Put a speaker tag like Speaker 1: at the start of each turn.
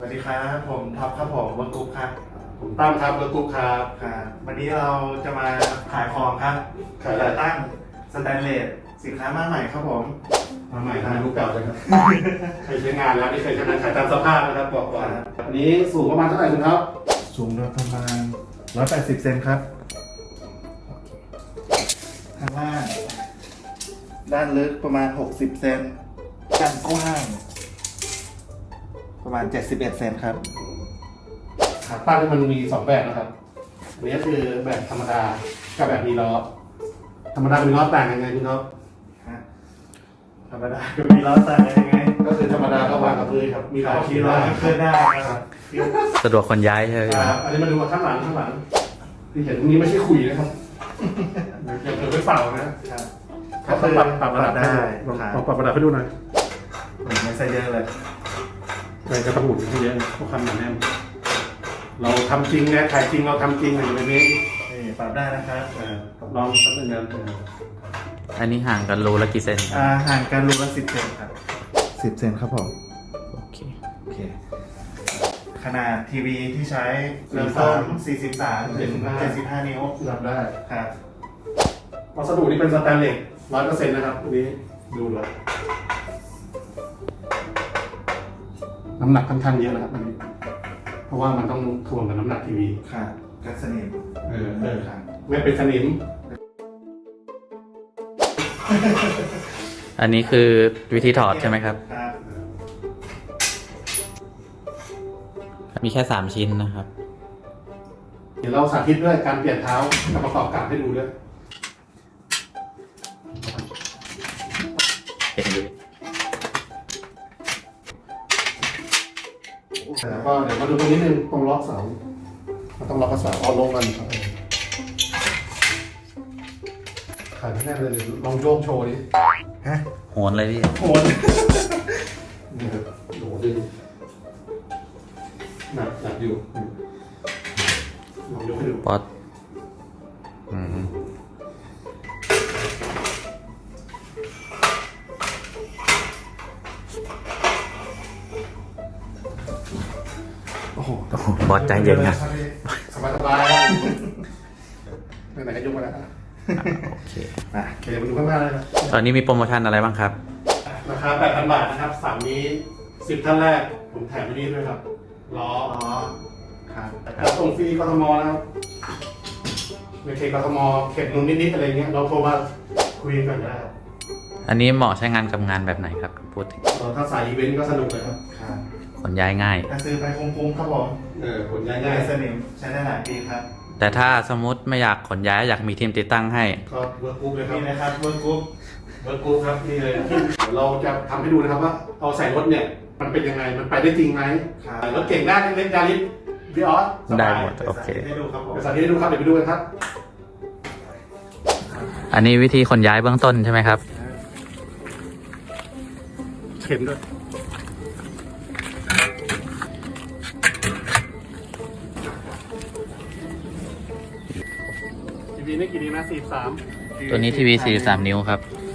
Speaker 1: สวัสดีครับผมท็อปครับผมเวิร์กกรุ๊ปครับ
Speaker 2: ผมตั้มครับแล้วกุ๊กครับ
Speaker 1: ครับวันนี้เราจะมาขายของครับ
Speaker 2: ขายอะไร
Speaker 1: ตั้งสแตนเลสสินค้ามาใหม่ครับผม
Speaker 2: มาใหม่ทำไมรู้เก่าเลยครับ ใครใช้งานแล้วนี่เคยใช้งานขายตามสภาพนะครับบอกก่อนอันนี้สูงประมาณเท่าไหร่คุณครับ
Speaker 1: สูงโดยประมาณ180 เซนครับข้างล่างด้านลึกประมาณ60 เซนด้านกว้างประมาณ71 เซนครับ
Speaker 2: ขาตั้งนี่มันมี2แบบนะครับอันนี้ก็คือแบบธรรมดากับแบบมีล้อธรรมดาเป็นล้อต่างยังไงคุณครับ
Speaker 1: ธรรมดาก็มีล้อต่างกันยังไง
Speaker 2: ก็คือธรรมดาก็วางกับพื้นครับมีล้อ
Speaker 1: ขี่ล้อเคลื่อนได้ครับ
Speaker 3: สะดวกคนย้ายใช่ไหม
Speaker 2: ครับอันนี้มาดูข้างหลังที่เห็นตรงนี้ไม่ใช่ขุยนะครับอย่าเผลอไปเป่านะครับ เขาต้องปรับระดับ
Speaker 1: ได้
Speaker 2: ลอง
Speaker 1: ครับ
Speaker 2: ปรับระดับให้ดูหน่อย
Speaker 1: ไม่ใช่เยอะเลย
Speaker 2: อะไรก็ต้องหมุนให้เยอะเพราะความหนาแน่นเราทำจริงนะขายจริงเราทำจริงอย่างนี้
Speaker 1: นี่ปรับได้นะครับ
Speaker 2: ลองสักหนึ่งนะ
Speaker 3: อันนี้ห่างกันรูละกี่เซนครับ
Speaker 1: ห่างกันรูละ10 เซนครับ10 เซนครับผม
Speaker 3: โอเค
Speaker 1: โอเค ขนาดทีวีที่ใช้เริ่มต้น43 ถึง 75 นิ้ว
Speaker 2: รับได้
Speaker 1: ครับ
Speaker 2: วัสดุนี่เป็นสแตนเลส100%นะครับอันนี้ดูแล้วน้ำหนักค่อนข้างเยอะนะครับอันนี้เพราะว่ามันต้องถ่วงกับน้ำหนักทีวี
Speaker 1: ครับกันสนิม
Speaker 2: ครับไม่เป็นสนิม
Speaker 3: อันนี้คือวิธีถอดใช่ไหมครับ
Speaker 1: ครับ
Speaker 3: มีแค่3ชิ้นนะครับ
Speaker 2: เดี๋ยวเราสาธิตด้วยการเปลี่ยนเท้ากับประกอบกับให้ดูด้วย
Speaker 3: เป็นอยู่
Speaker 2: แล้วก็เดี๋ยวมาดูตรงนี้นึงตรงล็อกเสามันต้องล็อกกระเสาเอาลงกันครับขายไม่แน่เลยลองโยกโชว์ดิ
Speaker 1: ฮะ
Speaker 3: โหนเลยพี่
Speaker 1: โหน
Speaker 2: นี่ครับโหดึงหนักอยู่ลองยกให้ดู
Speaker 3: ป๊อต
Speaker 1: โอ้โห
Speaker 3: โอ้โหบอสใจเย็นนะ
Speaker 2: สบายๆไหนๆก็ยกมาแล้ว
Speaker 3: โอเค
Speaker 1: อ่ะ
Speaker 2: โอเคมาดูข้างหน้าเลยนะ
Speaker 3: ตอนนี้มีโปรโมชั่นอะไรบ้างครับ
Speaker 2: ราคา 8,000 บาทนะครับ3นี้10ท่านแรกผมแถมไปนี่ด้วยครับล้อ
Speaker 1: อ๋อครับ
Speaker 2: แล้วส่งฟรีกทมนะครับในเขตกทมเขตนู้นนิดๆอะไรเงี้ยเราโทรมาคุยกันได้ครับ
Speaker 3: อันนี้เหมาะใช้งานกับงานแบบไหนครับ พูดถึง
Speaker 2: ถ้าสายอีเวนต์ก็สนุกเลยครับ
Speaker 1: ครับ
Speaker 3: ขนย้ายง่าย
Speaker 1: ถ้าซื้อไปคุ้มๆครับผม
Speaker 2: ผลง่าย
Speaker 1: กันสนิมใช้ได้หลายปีครับ
Speaker 3: แต่ถ้าสมมติไม่อยากขนย้ายอยากมีทีมติดตั้งให้
Speaker 2: ๆก็เวิร์กกรุ๊ปเลยครับ
Speaker 1: นี่นะครับเวิร์กกรุ๊ป
Speaker 2: เวิร์กกรุ๊ปครับนี่เลยเดี๋ยวเราจะทำให้ดูนะครับว่าเอาใส่รถเนี่ยมันเป็นยังไงมันไปได้จริงไหม
Speaker 1: ครับ
Speaker 2: รถเก่งได้เล็กๆยาริสวิออสสบาย
Speaker 3: ได้หมด โอเค
Speaker 1: ให้ดูครับผม
Speaker 2: ไปสาธิตให้ดูครับเดี๋ยวไปดูกันครับ
Speaker 3: อันนี้วิธีขนย้ายเบื้องต้นใช่ไหมครับ
Speaker 2: เข็มด้วยทีวีนี่กี่นิ้วนะ43
Speaker 3: ตัวนี้ทีวี43 นิ้วครับ